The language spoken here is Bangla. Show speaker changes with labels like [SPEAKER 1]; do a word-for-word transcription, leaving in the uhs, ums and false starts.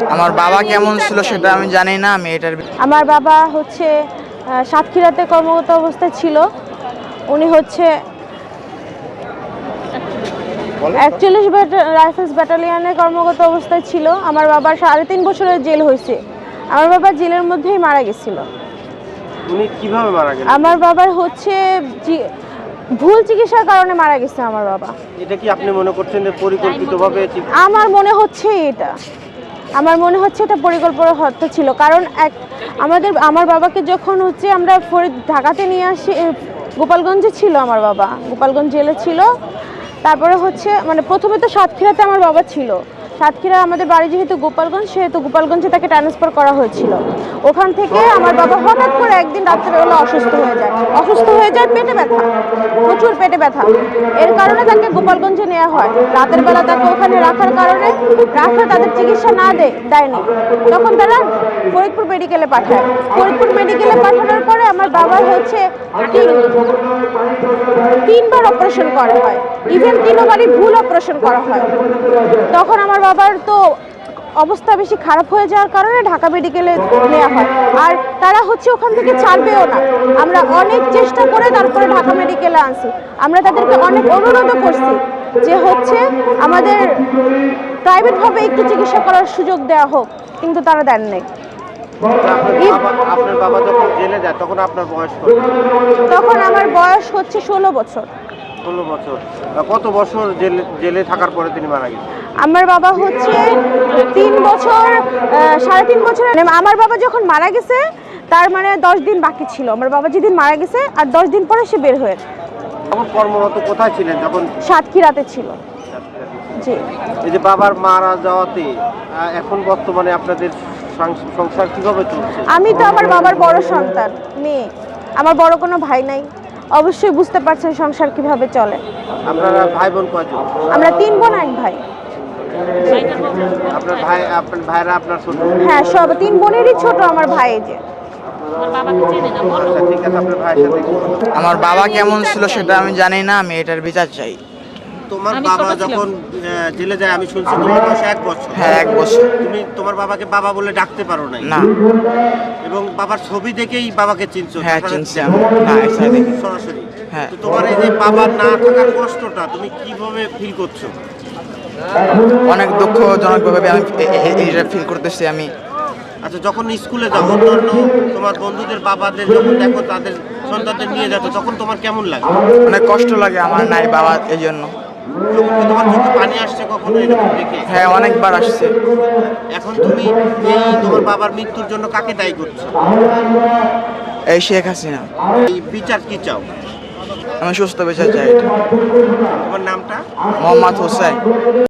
[SPEAKER 1] আমার বাবা কেমন ছিল সেটা আমি জানি না। আমি এটার
[SPEAKER 2] আমার বাবা হচ্ছে সাতক্ষীরাতে কর্মরত অবস্থায় ছিল। উনি হচ্ছে একচল্লিশ রাইফেলস ব্যাটালিয়নে কর্মরত অবস্থায় ছিল। আমার বাবার সাড়ে তিন বছরের জেল হয়েছে। আমার বাবা জেলের মধ্যেই মারা গেছিল।
[SPEAKER 3] উনি কিভাবে মারা গেলেন?
[SPEAKER 2] আমার বাবার হচ্ছে ভুল চিকিৎসার কারণে মারা গেছে আমার বাবা।
[SPEAKER 3] এটা কি আপনি মনে করছেন যে পরিকল্পিতভাবে?
[SPEAKER 2] আমার মনে হচ্ছে এটা আমার মনে হচ্ছে এটা পরিকল্পনা হত্যা ছিল। কারণ এক আমাদের আমার বাবাকে যখন হচ্ছে আমরা ফরিদ ঢাকাতে নিয়ে আসি, গোপালগঞ্জে ছিল আমার বাবা, গোপালগঞ্জ জেলে ছিল। তারপরে হচ্ছে মানে প্রথমে তো সাতক্ষীরাতে আমার বাবা ছিল। সাতক্ষীরা আমাদের বাড়ি যেহেতু গোপালগঞ্জ, সেহেতু গোপালগঞ্জে তাকে ট্রান্সফার করা হয়েছিল। ওখান থেকে আমার বাবা হঠাৎ করে একদিন রাত্রেবেলা অসুস্থ হয়ে যায় অসুস্থ হয়ে যায় পেটে ব্যথা, প্রচুর পেটে ব্যথা। এর কারণে তাকে গোপালগঞ্জে নেওয়া হয়। রাতের বেলা তাকে ওখানে রাখার কারণে রাখা তাদের চিকিৎসা না দেয় দেয়নি তখন তারা ফরিদপুর মেডিকেলে পাঠায়। ফরিদপুর মেডিকেলে পাঠানোর পরে আমার বাবার হচ্ছে তিনবার অপারেশন করা হয়। ইভেন তিনবারই ভুল অপারেশন করা হয়। তখন আমার বাবার তো অবস্থা বেশি খারাপ হয়ে যাওয়ার কারণে ঢাকা মেডিকেলে নেওয়া হয়। আর তারা হচ্ছে ওখান থেকে ছাড়বেও না। আমরা অনেক চেষ্টা করে তারপরে ঢাকা মেডিকেলে আনছি। আমরা তাদেরকে অনেক অনুরোধও করছি যে হচ্ছে আমাদের প্রাইভেটভাবে একটু চিকিৎসা করার সুযোগ দেওয়া হোক, কিন্তু তারা দেন নাই।
[SPEAKER 3] আপনার বাবা যখন জেলে যায় তখন আপনার বয়স কত?
[SPEAKER 2] তখন আমার বয়স হচ্ছে ষোলো বছর।
[SPEAKER 3] ষোলো বছর। কত বছর জেলে জেলে থাকার পরে তিনি মারা গেছেন?
[SPEAKER 2] আমার বাবা হচ্ছে তিন বছর সাড়ে তিন বছর। আমার বাবা যখন মারা গেছে তার মানে দশ দিন বাকি ছিল। আমার বাবা যেদিন মারা গেছে আর দশ দিন পরে সে বের হয়ে।
[SPEAKER 3] তখন কর্মরত কোথায় ছিলেন যখন?
[SPEAKER 2] সাতক্ষীরাতে ছিল। জি।
[SPEAKER 3] এই যে বাবার মারা যাওয়াতে এখন বর্তমানে আপনাদের সংসার কিভাবে চলছে?
[SPEAKER 2] আমি তো আমার বাবার বড় সন্তান মেয়ে, আমার বড় কোনো ভাই নাই। অবশ্যই বুঝতে পারছেন সংসার কিভাবে চলে।
[SPEAKER 3] আপনারা ভাই বোন কয়জন?
[SPEAKER 2] আমরা তিন বোন এক ভাই।
[SPEAKER 3] আপনার ভাই আপনার ভাইরা আপনার ছোট?
[SPEAKER 2] হ্যাঁ, সব তিন বোনেরই ছোট আমার ভাই। যে
[SPEAKER 1] আমার বাবা কেমন ছিল সেটা আমি জানি না। আমি এটার বিচার চাই।
[SPEAKER 3] তোমার বাবা যখন জেলে যায় আমি শুনছি তোমার বয়স এক বছর।
[SPEAKER 1] হ্যাঁ, এক বছর।
[SPEAKER 3] তুমি তোমার বাবাকে বাবা বলে ডাকতে পারো না?
[SPEAKER 1] না।
[SPEAKER 3] এবং বাবার ছবি দেখেই বাবাকে চিনছো?
[SPEAKER 1] হ্যাঁ, চিনছি আমি। না, এসে দেখি
[SPEAKER 3] সরাসরি।
[SPEAKER 1] হ্যাঁ।
[SPEAKER 3] তো তোমার এই যে বাবার না থাকার কষ্টটা তুমি কিভাবে ফিল করছো?
[SPEAKER 1] অনেক দুঃখজনকভাবে আমি এটা ফিল করতেছি আমি।
[SPEAKER 3] আচ্ছা, যখন স্কুলে যাও অন্যান্য তোমার বন্ধুদের বাবাদের যখন দেখো তাদের সন্তানদের নিয়ে যাচ্ছ তখন তোমার কেমন লাগে?
[SPEAKER 1] অনেক কষ্ট লাগে আমার নাই বাবা, এই জন্য।
[SPEAKER 3] তোমার চোখে পানি আসছে কখনো এরকম দেখে?
[SPEAKER 1] হ্যাঁ, অনেকবার আসছে।
[SPEAKER 3] এখন তুমি এই তোমার বাবার মৃত্যুর জন্য কাকে দায়ী করছো?
[SPEAKER 1] এই শেখ হাসিনা।
[SPEAKER 3] এই বিচার কি চাও?
[SPEAKER 1] আমি সুস্থ বিচার চাই।
[SPEAKER 3] তোমার নামটা?
[SPEAKER 1] মোহাম্মদ হোসেন।